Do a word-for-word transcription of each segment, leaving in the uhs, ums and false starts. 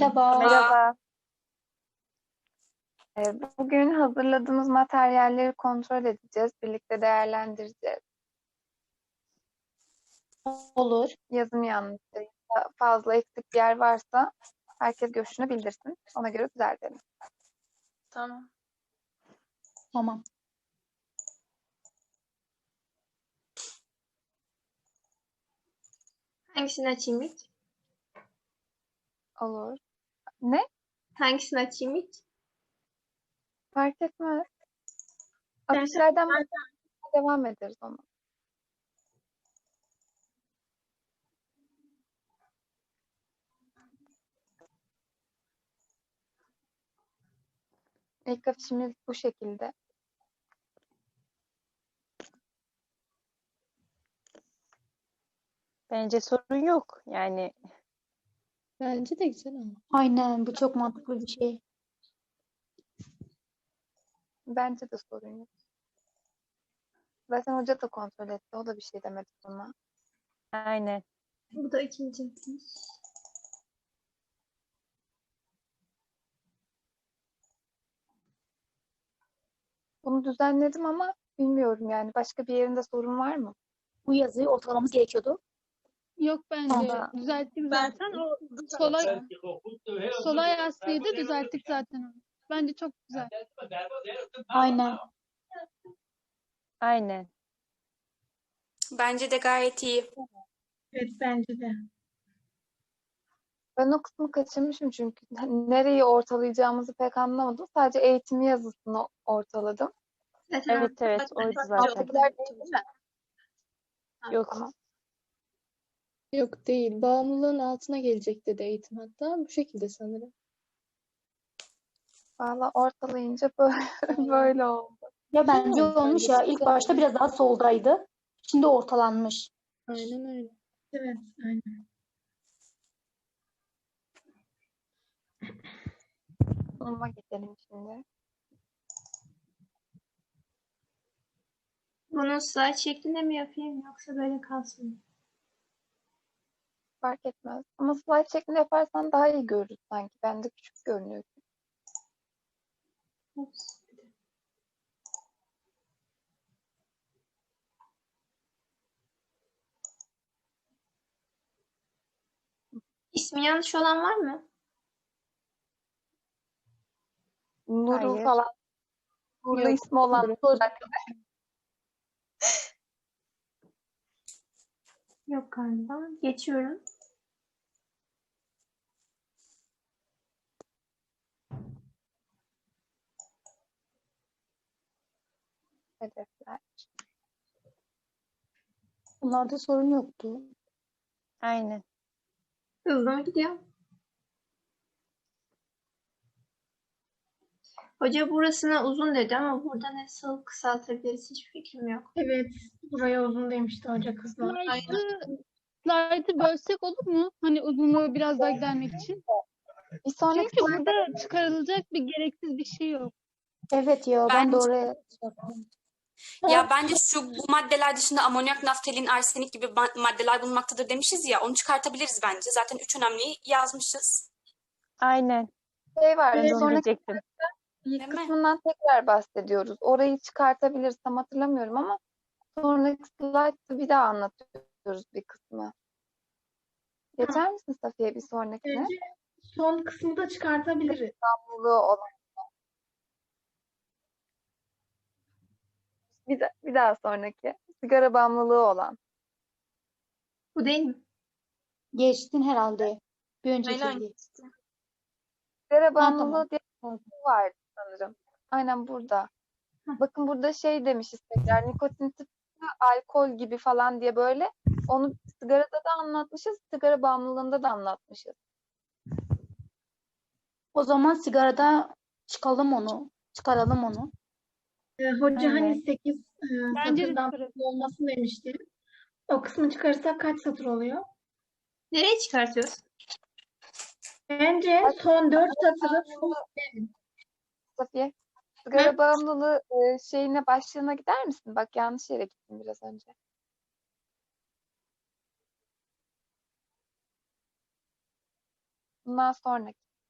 Merhaba. Merhaba. Ee, Bugün hazırladığımız materyalleri kontrol edeceğiz. Birlikte değerlendireceğiz. Olur. Yazım yanlışsa ya da fazla eksik bir yer varsa herkes görüşünü bildirsin. Ona göre düzeltelim. Tamam. Tamam. Hangisini açayım ilk? Olur. Ne? Hangisini açayım ilk? Fark etmez. Ben- Afişlerden ben- devam ederiz ona. İlk afişimiz bu şekilde. Bence sorun yok. Yani Bence de güzel ama. Aynen bu çok mantıklı bir şey. Bence de sorun yok. Zaten hoca da kontrol etti. O da bir şey demedi buna. aynen. Bu da ikinci. Bunu düzenledim ama bilmiyorum yani. Başka bir yerinde sorun var mı? Bu yazıyı ortalamamız gerekiyordu. Yok bence Ama- düzelttik Ben- zaten. O solay solay yazsıydı düzelttik zaten onu. Bence çok güzel. Aynen. Aynen. Bence de gayet iyi. Evet bence de. Ben o kısmı kaçırmışım çünkü nereyi ortalayacağımızı pek anlamadım. Sadece eğitim yazısını ortaladım. Zaten Evet evet oydu zaten. Alttakiler değil mi? Ha, Yok. tamam. Yok değil. Bağımlılığın altına gelecek dedi eğitim hatta. Bu şekilde sanırım. Valla ortalayınca böyle, böyle oldu. Ya bence Tamam, olmuş bence ya. güzel. İlk başta biraz daha soldaydı. Şimdi ortalanmış. Aynen öyle. Evet, aynen. Sunuma geçelim şimdi. Bunu slide şeklinde mi yapayım yoksa böyle kalsın mı? Fark etmez. Ama slide şeklinde yaparsan daha iyi görürüz sanki. Bende küçük görünüyor. Ups. İsmi yanlış olan var mı? Nuru Hayır. falan. Burada Yok. ismi olan Yok galiba. Geçiyorum. hedefler. Bunlarda sorun yoktu. Aynen. Hızlı mı gidiyor? Hoca burasına uzun dedi ama burada nasıl kısaltabiliriz hiç fikrim yok. Evet, buraya uzun demişti hoca kızlar. Slide'ı slide'ı bölsek olur mu? Hani uzunluğu biraz daha gidermek için. Bir sonraki Çünkü burada çıkarılacak bir gereksiz bir şey yok. Evet ya ben de Bence- oraya şey yaptım. Ya bence şu bu maddeler dışında amonyak, naftalin, arsenik gibi ma- maddeler bulunmaktadır demişiz ya. Onu çıkartabiliriz bence. Zaten üç önemliyi yazmışız. Aynen. şey var. Ben Bir de onu sonraki diyecektim. ilk Değil mi? kısmından tekrar bahsediyoruz. Orayı çıkartabiliriz. Tam hatırlamıyorum ama sonraki slide'da bir daha anlatıyoruz bir kısmı. Geçer misin Safiye bir sonrakine? Bence son kısmı da çıkartabiliriz. Bağımlılığı olan. Bir, de- bir daha sonraki. Sigara bağımlılığı olan. Bu değil mi? Geçtin herhalde. Bir önceki Aynen. değil. Sigara tamam. bağımlılığı diye bir şey vardı sanırım. Aynen burada. Hı. Bakın burada şey demişiz tekrar. Nikotin tıpkı alkol gibi falan diye böyle. Onu sigarada da anlatmışız. Sigara bağımlılığında da anlatmışız. O zaman sigarada çıkalım onu. Çıkaralım onu. Ee, hoca Aynen. hani sekiz e, Bence de satırdan çıkaralım. fazla olmasın demişti. O kısmı çıkarırsak kaç satır oluyor? Nereye çıkartıyoruz? Bence son dört satırı full Safiye. Sigara Hı? bağımlılığı e, şeyine başlığına gider misin? Bak yanlış yere gittim biraz önce. Bundan sonraki.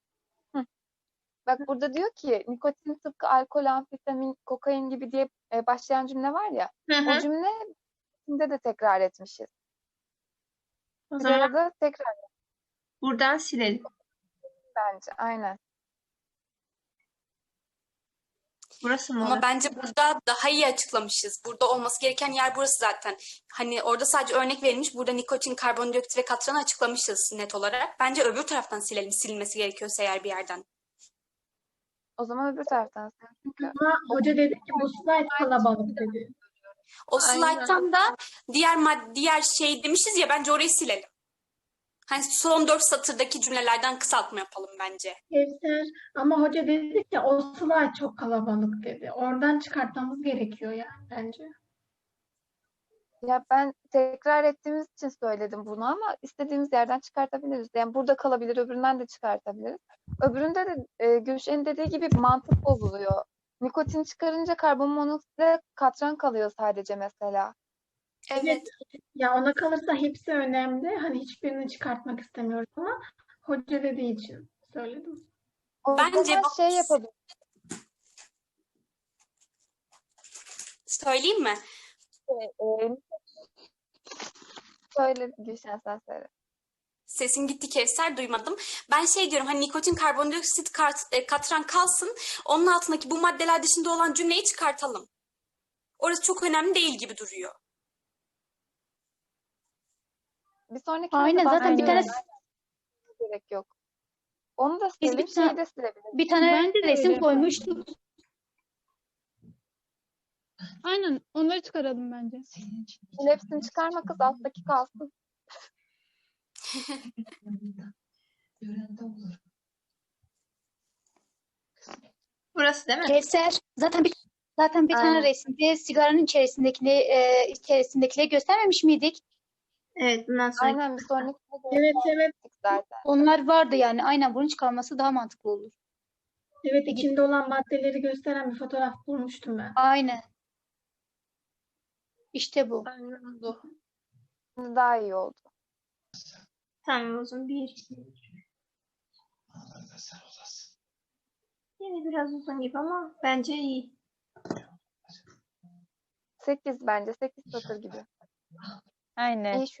Bak burada diyor ki nikotin tıpkı alkol, amfetamin, kokain gibi diye e, başlayan cümle var ya. Hı O hı. cümle içinde de tekrar etmişiz. O Bir zaman arada tekrar buradan silelim. bence. Aynen. Burası mı Ama orası? bence burada daha iyi açıklamışız. Burada olması gereken yer burası zaten. Hani orada sadece örnek verilmiş. Burada nikotin, karbondioksit ve katranı açıklamışız net olarak. Bence öbür taraftan silelim, silinmesi gerekiyorsa eğer bir yerden. O zaman öbür taraftan sen. Çünkü Ama hoca dedi ki bu slide kalabalık dedi. O Aynen. slayttan da diğer mad diğer şey demişiz ya, bence orayı silelim. Hani son dört satırdaki cümlelerden kısaltma yapalım bence. Kevser, ama hoca dedi ki o slide çok kalabalık dedi. Oradan çıkartmamız gerekiyor yani bence. ya ben tekrar ettiğimiz için söyledim bunu ama istediğimiz yerden çıkartabiliriz. Yani burada kalabilir, öbüründen de çıkartabiliriz. Öbüründe de e, Gülşen'in dediği gibi mantık bozuluyor. Nikotin çıkarınca karbon monoksitle katran kalıyor sadece mesela. Evet. Ya ona kalırsa hepsi önemli. Hani hiçbirini çıkartmak istemiyoruz ama hoca dediği için söyledim. O Bence zaman bak- şey yapabiliriz. Söyleyeyim mi? E, söyle Gülşen, sen söyle. Sesin gitti Kevser, duymadım. Ben şey diyorum, hani nikotin, karbondioksit, kart, e, katran kalsın. Onun altındaki bu maddeler dışında olan cümleyi çıkartalım. Orası çok önemli değil gibi duruyor. Bir sonraki Aynen, zaten bir tane gerek yok. Onu da Biz silelim, bir tane- şeyi de silebiliriz. bir tane Bence de öyle resim yapalım. koymuştuk. Aynen, onları çıkaralım bence. Hepsini çıkarma kız, alttaki kalsın. Burası değil mi? Kevser, zaten bir zaten bir tane Aynen. resimde sigaranın içerisindekini e, içerisindekileri göstermemiş miydik? Evet, bundan sonra. Aynen, bir sonraki Evet, evet. zaten. Onlar vardı yani. Aynen, bunu çıkarması daha mantıklı olur. Evet, içinde olan maddeleri gösteren bir fotoğraf bulmuştum ben. Aynen. İşte bu. Şimdi daha iyi oldu. Tamam, o zaman bir. Yine biraz uzun gibi ama bence iyi. Sekiz bence. Sekiz satır gibi. Aynen. İyi şu.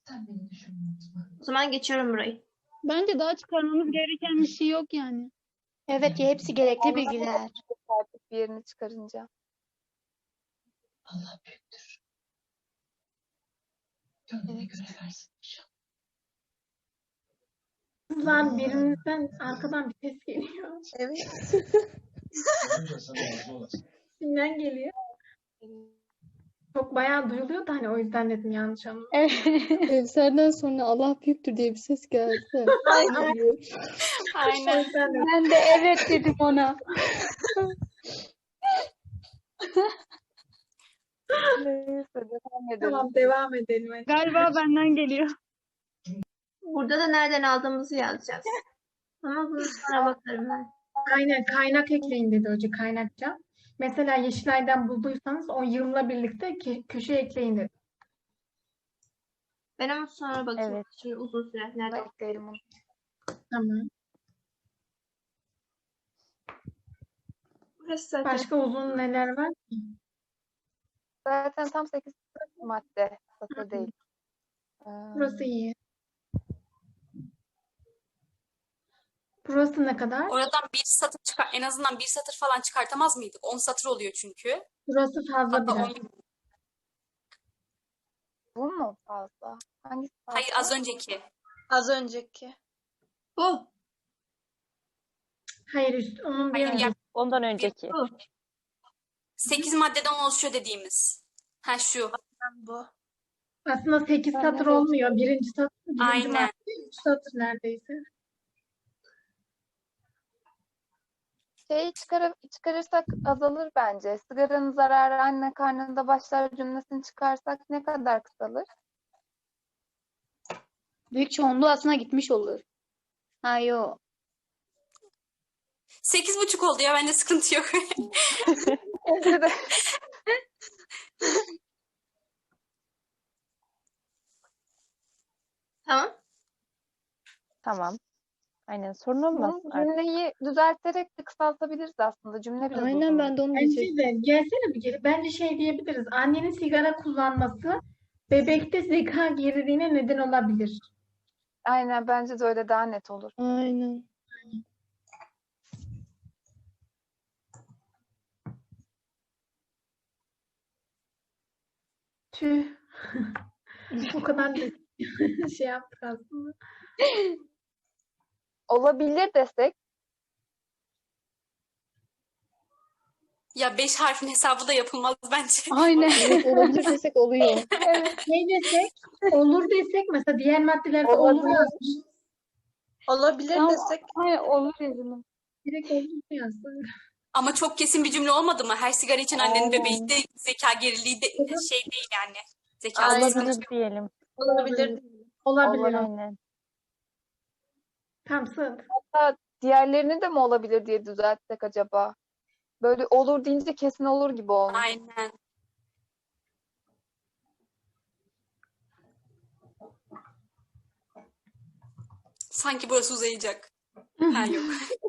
O zaman geçiyorum burayı. Bence daha çıkarmamız gereken bir şey yok yani. Evet ya, hepsi gerekli bilgiler. Artık bir yerini çıkarınca. Kızlar, birinizden arkadan bir ses geliyor. Kimden geliyor? Çok bayağı duyuluyor da hani o yüzden dedim, yanlış anlama. Kevser'den sonra Allah büyüktür diye bir ses geldi. Aynen. O Aynen. yüzden dedim. Ben de evet dedim ona. Neyse, devam edelim. Tamam, devam edelim. hadi. Galiba benden geliyor. Burada da nereden aldığımızı yazacağız. Ama bunu sonra bakarım ben. Aynen, kaynak ekleyin dedi hoca, kaynakça. Mesela Yeşilay'dan bulduysanız o yılla birlikte ke- köşeye ekleyin dedi. Ben ama sonra bakayım. Evet. Şimdi uzun süre. Bunu da Nerede? ekleyelim onu. Tamam. Burası zaten. Başka uzun neler var? Zaten tam sekiz madde. Satır değil. Ee, Burası iyi. Burası ne kadar? Oradan bir satır çıkar, en azından bir satır falan çıkartamaz mıydık? On satır oluyor çünkü. Burası fazla Hatta biraz. on, bu mu fazla? Hangisi fazla? hayır, az önceki. Az önceki. Bu. Hayır, üst, onun bir Hayır, ya, Ondan önceki. Bu. sekiz maddeden oluşuyor dediğimiz. Ha şu. Bu. Aslında sekiz Ben satır de olmuyor. Birinci satır, birinci Aynen. madde, üç satır neredeyse. Şeyi çıkar çıkarırsak azalır bence. Sigaranın zararı anne karnında başlar cümlesini çıkarsak ne kadar kısalır? Büyük çoğunluğu aslında gitmiş olur. Ha yo. Sekiz buçuk oldu ya, bence sıkıntı yok. Bence de. Tamam. Tamam. Aynen sorun olmaz Bu artık. cümleyi düzelterek de kısaltabiliriz aslında. Cümle biraz Aynen uzun. ben de onu Bence diyecektim. de gelsene bir geri. Bence şey diyebiliriz. Annenin sigara kullanması bebekte zeka geriliğine neden olabilir. Aynen bence de öyle daha net olur. Aynen. Tüh. O kadar da şey yaptık aslında. Olabilir desek Ya beş harfin hesabı da yapılmaz bence. Aynen. Evet olabilir desek oluyor. evet Ne desek? Olur desek mesela diğer maddelerde olur Olabilir. yazmış. Olabilir Tamam. desek Aynen olur yazılım. Direkt olur yazsın. Ama çok kesin bir cümle olmadı mı? Her sigara için annenin bebeğinde zeka geriliği de şey değil yani. Zekası Aynen. sıkıntı. Olabilir diyelim. olabilir. Olabilir. Olabilir. Aynen. Tam sığ. hatta diğerlerini de mi olabilir diye düzeltsek acaba? Böyle olur deyince kesin olur gibi olmuş. Aynen. Sanki burası uzayacak. Ha yok.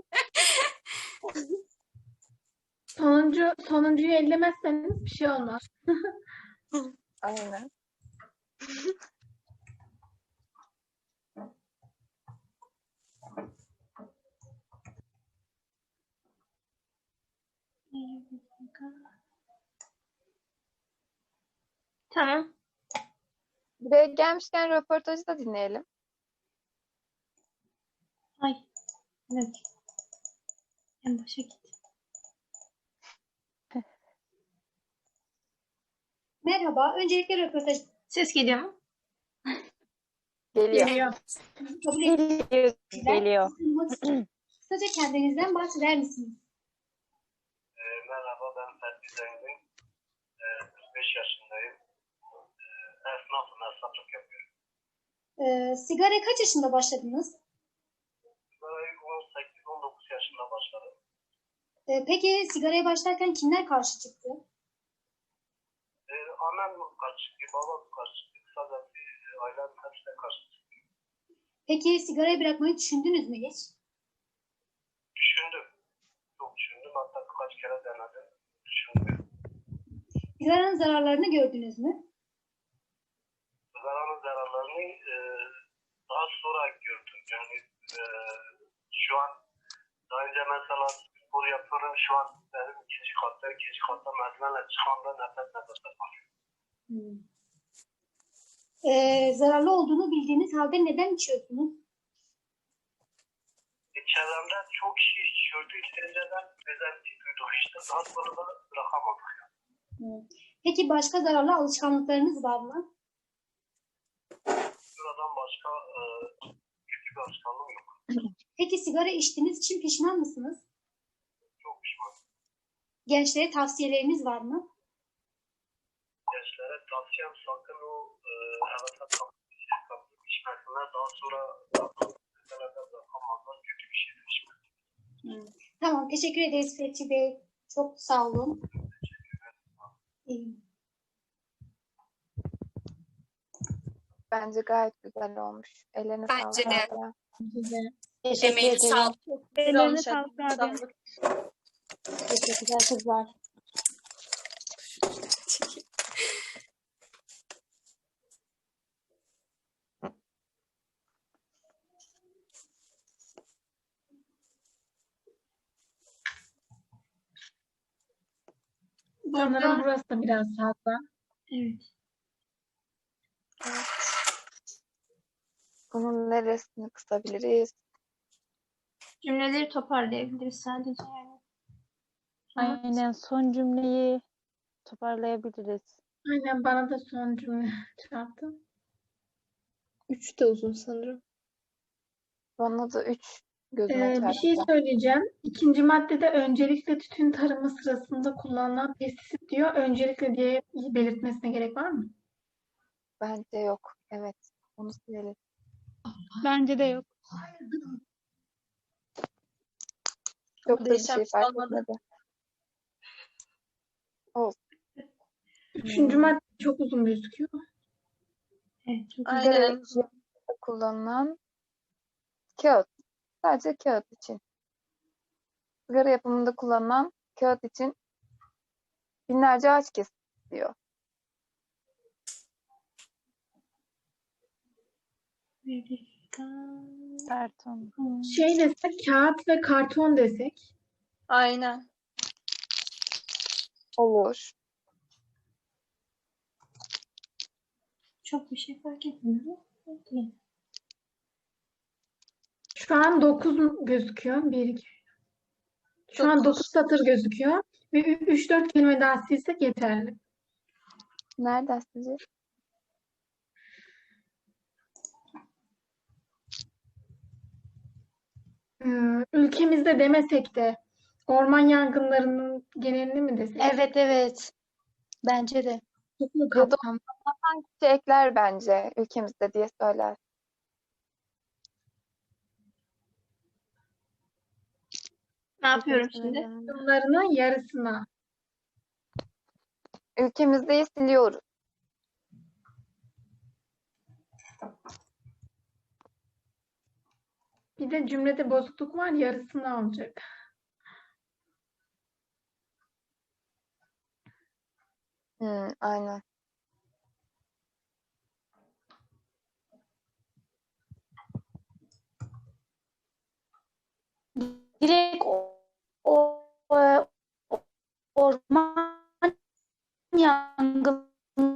Sonuncu, sonuncuyu ellemezseniz bir şey olmaz. Aynen. Tamam. Buraya gelmişken röportajı da dinleyelim. Ay, evet. En başa git. Merhaba. Öncelikle röportaj Ses geliyor mu? Geliyor. Geliyor. kabul Geliyor. Geliyor. ettiğiniz kısaca kendinizden bahseder misiniz? E, merhaba, ben Fethi Zengin. E, kırk beş yaşındayım. E, esnafım, esnaflık yapıyorum. Ee, sigaraya kaç yaşında başladınız? Sigarayı on sekiz on dokuz yaşında başladım. Ee, peki sigaraya başlarken kimler karşı çıktı? E, annem karşı çıktı, babam karşı çıktı. Kısaca bir e, ailem hepsine karşı çıktı. Peki sigarayı bırakmayı düşündünüz mü hiç? Düşündüm. Çok düşündüm. Hatta birkaç kere denedim. Düşündüm. Sigaranın zararlarını gördünüz mü? Sigaranın zararlarını e, daha sonra gördüm. Yani e, şu an daha önce mesela spor yapıyorum. Şu an benim ikinci katta, ikinci katta merdivenle çıkanda nefes nefese kalıyorum. Ee, zararlı olduğunu bildiğiniz halde neden içiyorsunuz? E, çevremde çok kişi içiyordu. İşte önceden özenti duyduk işte. Daha sonra da bırakamadık. Peki başka zararlı alışkanlıklarınız var mı? Buradan başka e, kötü bir alışkanlığım yok. Peki sigara içtiğiniz için pişman mısınız? Çok pişmanım. Gençlere tavsiyeleriniz var mı? Gençlere tavsiyem sakın o e, hevese kapılıp kapılıp içmesinler. Daha sonra meselede bırakamazlar. Kötü bir şeydir içmek. Tamam, teşekkür ederiz Fethi Bey. Çok sağ olun. İyi. Bence gayet güzel olmuş. Ellerine Bence sağlık. de. Abla. Güzel. Teşekkür Emeğine ederim. sağlık. Ellerine sağlık abi. Sağlık. Teşekkürler kızlar. Sanırım burası da biraz fazla. Evet. Bunun neresini kısabiliriz? Cümleleri toparlayabiliriz sadece yani. Aynen son cümleyi toparlayabiliriz. Aynen bana da son cümle çarptı. Üç de uzun sanırım. Bana da üç gözüme Ee, bir çarptı. şey söyleyeceğim. İkinci maddede öncelikle tütün tarımı sırasında kullanılan pestisit diyor. Öncelikle diye belirtmesine gerek var mı? Bence yok. Evet. Onu silelim. Bence de yok. Çok da bir değişen şey bir şey fark olmadı. etmedi. Üçüncü Hmm. madde çok uzun gözüküyor. Evet, çok Aynen. Sigara kullanılan kağıt. Sadece kağıt için. Sigara yapımında kullanılan kağıt için binlerce ağaç kesiliyor. Karton. Şey desek, kağıt ve karton desek. Aynen. Olur. Çok bir şey fark etmiyor. Peki. Şu an dokuz gözüküyor. bir, iki. Şu an dokuz satır gözüküyor. Ve üç dört kelime daha silsek yeterli. Nereden sizce? Ee, ülkemizde demesek de orman yangınlarının genelini mi desek? Evet evet. Bence de. Çok mu Ya da kapsamlı? kişi ekler bence ülkemizde diye söyler. Ne yapıyorum şimdi? Yangınlarının yarısına. Ülkemizdeyi siliyoruz. Bir de cümlede bozukluk var, yarısını alacak. Hmm, aynen. Direkt o, o, o- orman yangınları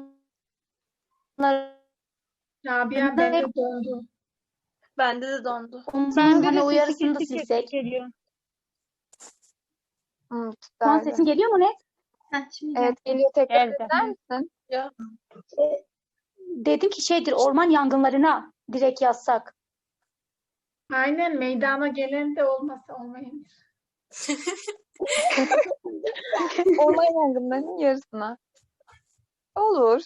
Rabia bende dondu. Bende de dondu. onun Bende hani de o sesi yarısını da kesik kesik silsek. geliyor. Hmm, Şu an güzeldi. sesin geliyor mu net? Heh, şimdi Evet geliyor, tekrar Geldi. eder misin? Dedim ki şeydir, orman yangınlarına direkt yazsak. Aynen, meydana gelen de olmasa olmayabilir. Orman yangınlarının yarısına. Olur.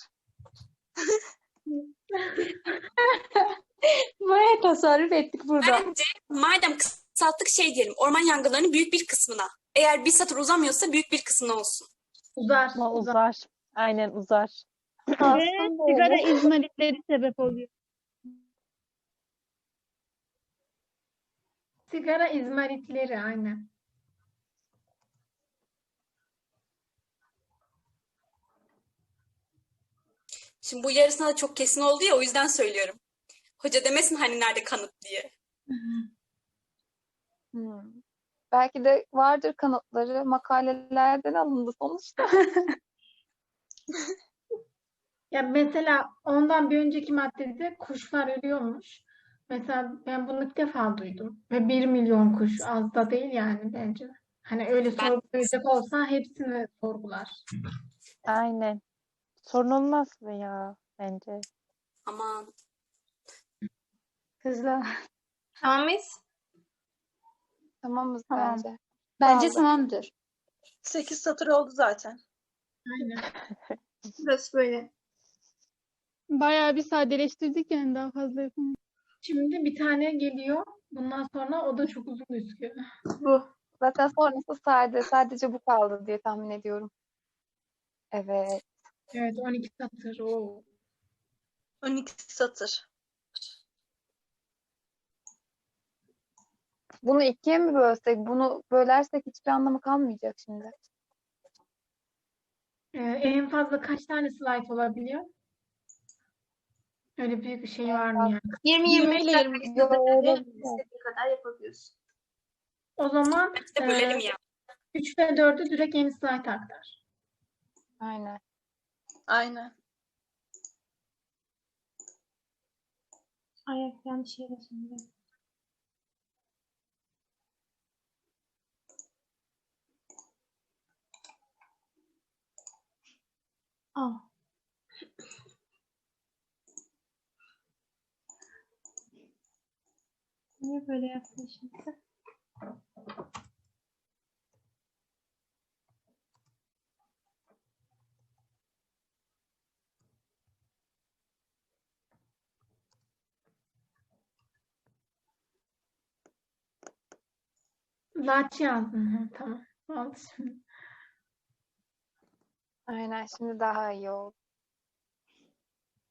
Bayağı tasarruf ettik burada. Bence madem kısalttık şey diyelim. Orman yangınlarının büyük bir kısmına. Eğer bir satır uzamıyorsa büyük bir kısmına olsun. Uzar, Ama uzar. uzar. Aynen uzar. Ve Aslında sigara öyle. izmaritleri sebep oluyor. Sigara izmaritleri aynen. Şimdi bu yarısına da çok kesin oldu ya o yüzden söylüyorum. Hoca demesin hani nerede kanıt diye. Hmm. Belki de vardır kanıtları, makalelerden alındı sonuçta. Ya mesela ondan bir önceki maddede kuşlar ölüyormuş. Mesela ben bunu ilk defa duydum. Ve bir milyon kuş az da değil yani bence. Hani öyle Ben- sorgulayacak olsa hepsini sorgular. Aynen. Sorun olmaz mı ya bence? Aman. Kızlar. Tamam mıyız? Tamamız Tamam. bence. Bence Kaldı. tamamdır. sekiz satır oldu zaten. Aynen. Burası böyle. Bayağı bir sadeleştirdik yani daha fazla yapamayız. Şimdi bir tane geliyor. Bundan sonra o da çok uzun gözüküyor. Bu. Zaten sonrası sade. Sadece bu kaldı diye tahmin ediyorum. Evet. Evet, on iki satır. Oo. on iki satır. Bunu ikiye mi bölsek? Bunu bölersek hiçbir anlamı kalmayacak şimdi. Ee, en fazla kaç tane slide olabiliyor? Öyle büyük bir şey var mı yani? yirmi yirmi beş dakika Yo, öyle istediğin değil. istediğin kadar yapabiliyorsun. O zaman Bir de bölelim e, ya. üç ve dördü direkt yeni slide aktar. Aynen. Aynen. Ay yanlış yere şimdi. Aa. Niye böyle yaptın şimdi? Laç yazdın. Hı, tamam. Oldu şimdi. Aynen. Şimdi daha iyi oldu.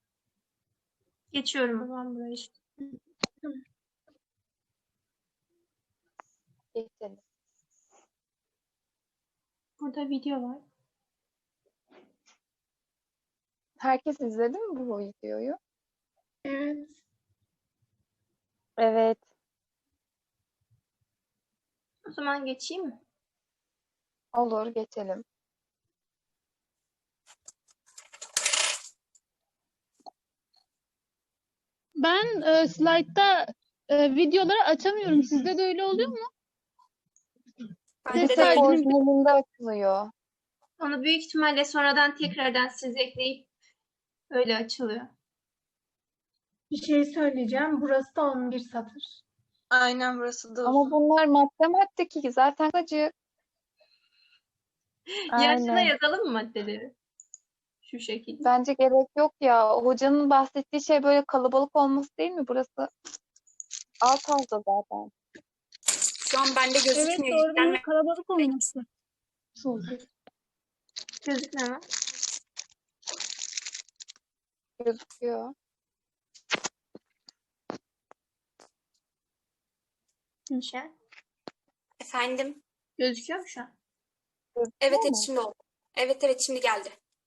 Geçiyorum. Tamam burayı işte. Geçelim. Burada video var. Herkes izledi mi bu videoyu? Evet. Evet. O zaman geçeyim mi? Olur, geçelim. Ben e, slaytta e, videoları açamıyorum. Sizde de öyle oluyor mu? Bende Ses de Tek kaydını orijinalinde açılıyor. Onu büyük ihtimalle sonradan tekrardan siz ekleyip öyle açılıyor. Bir şey söyleyeceğim. Burası da on bir satır. Aynen burası da Ama uzun. bunlar madde madde ki zaten acı. Yaşına Aynen. yazalım mı maddeleri? Şu şekilde. Bence gerek yok ya. Hocanın bahsettiği şey böyle kalabalık olması değil mi? Burası alt alta zaten. Şu an bende Evet gözükmüyor. doğru Yüklenme. benim kalabalık olması. Gözükmüyor mu? Gözüküyor. Nişan. Efendim. Gözüküyor mu şu an? Gözüküyor Evet evet mu? şimdi oldu. Evet evet şimdi geldi.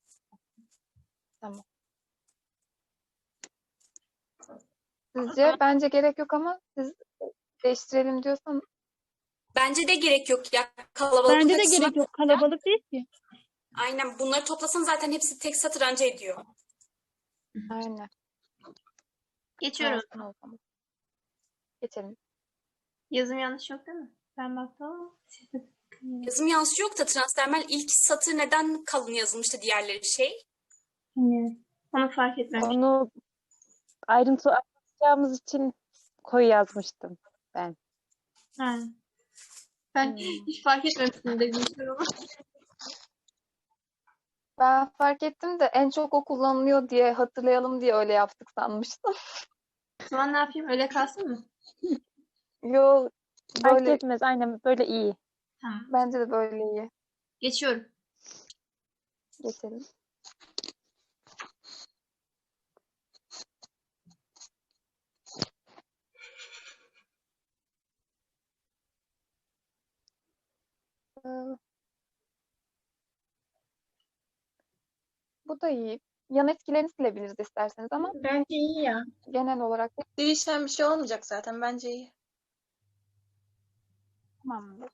Sizce? Bence gerek yok ama siz değiştirelim diyorsanız Bence de gerek yok ya kalabalık Bence de açısından. gerek yok. Kalabalık değil ki. Aynen bunları toplasan zaten hepsi tek satır anca ediyor. aynen. Geçiyorum. Kalsın o zaman. Geçelim. Yazım yanlış yok değil mi? Ben baktım ama siz de bakın. Yazım yanlışı yok da transdermal ilk satır neden kalın yazılmıştı diğerleri şey? Yine. Onu fark etmemiştim. Onu ayrıntı açacağımız için koyu yazmıştım ben. Ha. Ben Hmm. hiç fark etmemiştim dediğim ama. Ben fark ettim de en çok o kullanılıyor diye hatırlayalım diye öyle yaptık sanmıştım. O zaman ne yapayım? Öyle kalsın mı? Yo, Fark böyle etmez. Aynen böyle iyi. Tamam. bence de böyle iyi. Geçiyorum. Geçelim. Ee, Bu da iyi. Yan etkilerini silebiliriz isterseniz ama Bence iyi ya. genel olarak Değişen bir şey olmayacak zaten. Bence iyi. tamamdır.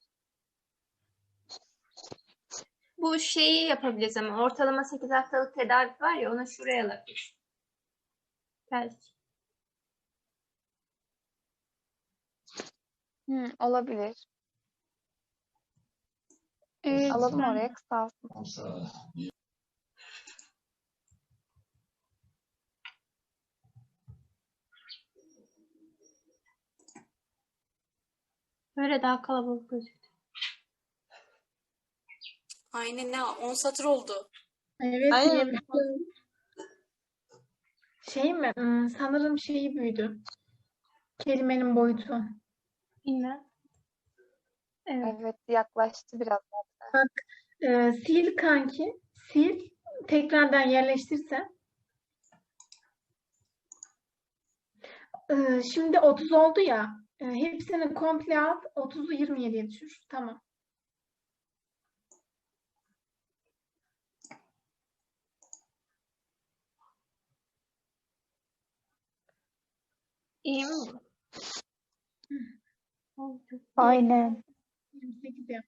Bu şeyi yapabiliriz ama ortalama sekiz haftalık tedavi var ya onu şuraya alabiliriz. Belki. Hı, olabilir. Evet, Alalım ben- oraya kısalsın. Böyle daha kalabalık gözüktü. Aynen ne on satır oldu. Evet. Aynen. niye- Şey mi? Hmm, sanırım şeyi büyüdü. Kelimenin boyutu. Bilmem. Evet. Evet, yaklaştı biraz. Ee, sil kanki. Sil. Tekrardan yerleştirsen. Ee, şimdi otuz oldu ya. Ee, hepsini komple al. otuzu yirmi yediye düşür. Tamam. İyi mi oldu? Hı. Oldu. Aynen. yirmi sekiz yap.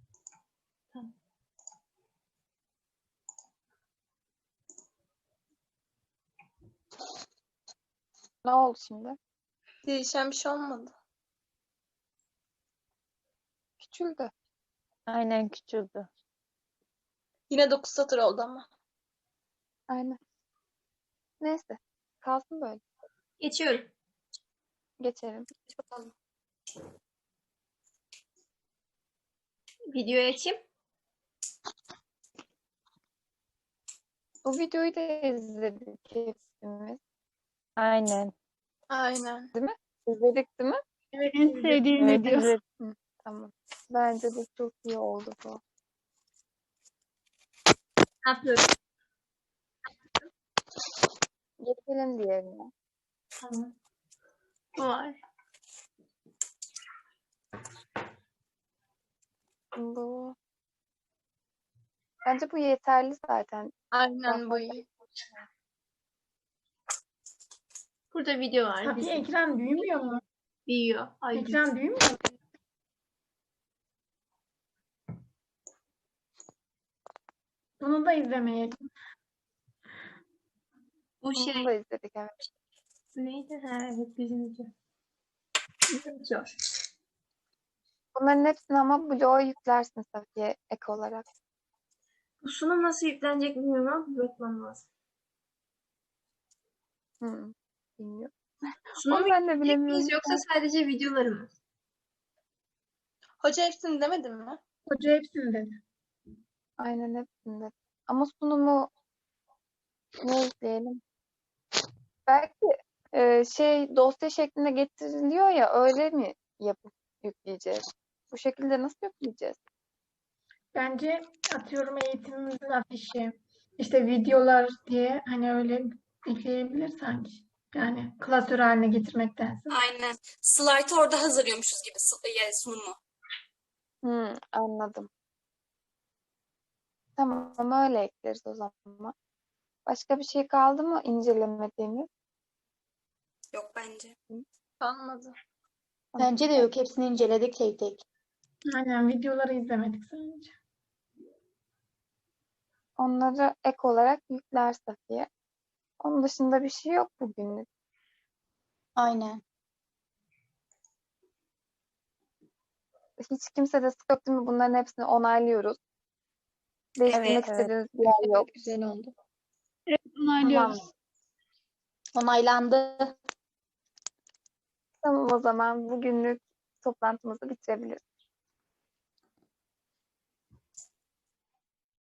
Ne oldu şimdi? Değişen bir şey olmadı. Küçüldü. Aynen küçüldü. Yine dokuz satır oldu ama. Aynen. Neyse. Kalsın böyle. Geçiyorum. Geçelim. Bakalım. Videoyu açayım. Bu videoyu da izledik hepimiz. Aynen. Aynen. İzledik değil mi? Evet. En sevdiğim Evet, video. evet. Tamam. Bence de çok iyi oldu bu. Ne yapıyorum? Geçelim diğerine. Tamam. Bu var. Bu bence bu yeterli zaten. Aynen bu iyi. Burada video var. Safiye bizim. ekran büyümüyor mu? Büyüyor. Ay, Ekran büyümüyor mu? Bunu da izlemeyelim. bu Bunu şey da izledik, evet. neydi? Ha, evet bizim video. Zor. Bunların hepsini ama bloğa yüklersin Safiye ek olarak. Bu sunum nasıl yüklenecek bilmiyorum ama bir bakmam lazım. Hı, bilmiyorum. Sunum Onu ben de yükleyecek bilemiyorum. miyiz yoksa sadece videoları mı? Hoca hepsini demedin mi? Hoca hepsini dedi. Aynen hepsinde. Ama sunumu ne ekleyelim? Belki e, şey dosya şeklinde getiriliyor ya, öyle mi yapıp yükleyeceğiz? Bu şekilde nasıl yükleyeceğiz? Bence atıyorum eğitimimizin afişi, işte videolar diye hani öyle ekleyebilir sanki. Yani klasör haline getirmektense. Aynen. Slaytı orada hazırlıyormuşuz gibi s- ya, sunumu. Hı, anladım. Tamam, öyle ekleriz o zaman. Başka bir şey kaldı mı incelemediğimiz? Yok bence. Kalmadı. Bence de yok. Hepsini inceledik tek tek. Aynen videoları izlemedik sadece. Onları ek olarak yükler Safiye. Onun dışında bir şey yok bugünlük. Aynen. Hiç kimse de sık yok değil mi? Bunların hepsini onaylıyoruz. Değiştirmek Evet. istediğiniz bir yer yok. Güzel oldu. Tamam. Onaylandı. Tamam, o zaman bugünlük toplantımızı bitirebiliriz.